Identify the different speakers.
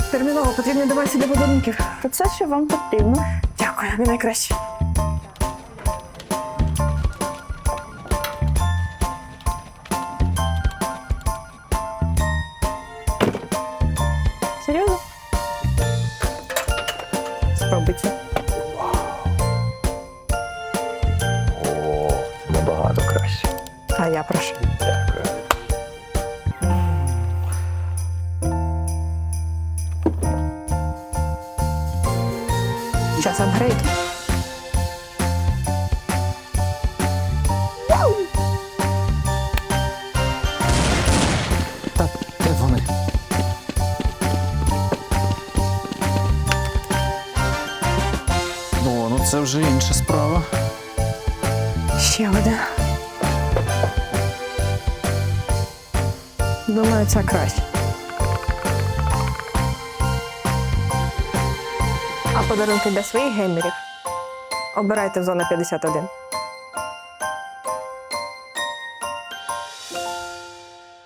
Speaker 1: Терміново потрібні девайси для подарунків.
Speaker 2: То це що вам потрібно.
Speaker 1: Дякую, ви найкраще.
Speaker 2: Серйозно?
Speaker 1: Спробуйте.
Speaker 3: О, набагато краще.
Speaker 1: А я прошу.
Speaker 3: Дякую.
Speaker 1: Час апгрейд.
Speaker 4: Та де вони? Ну це вже інша справа.
Speaker 1: Ще один. Думаю, це краще. А подарунки для своїх геймерів обирайте в зона 51.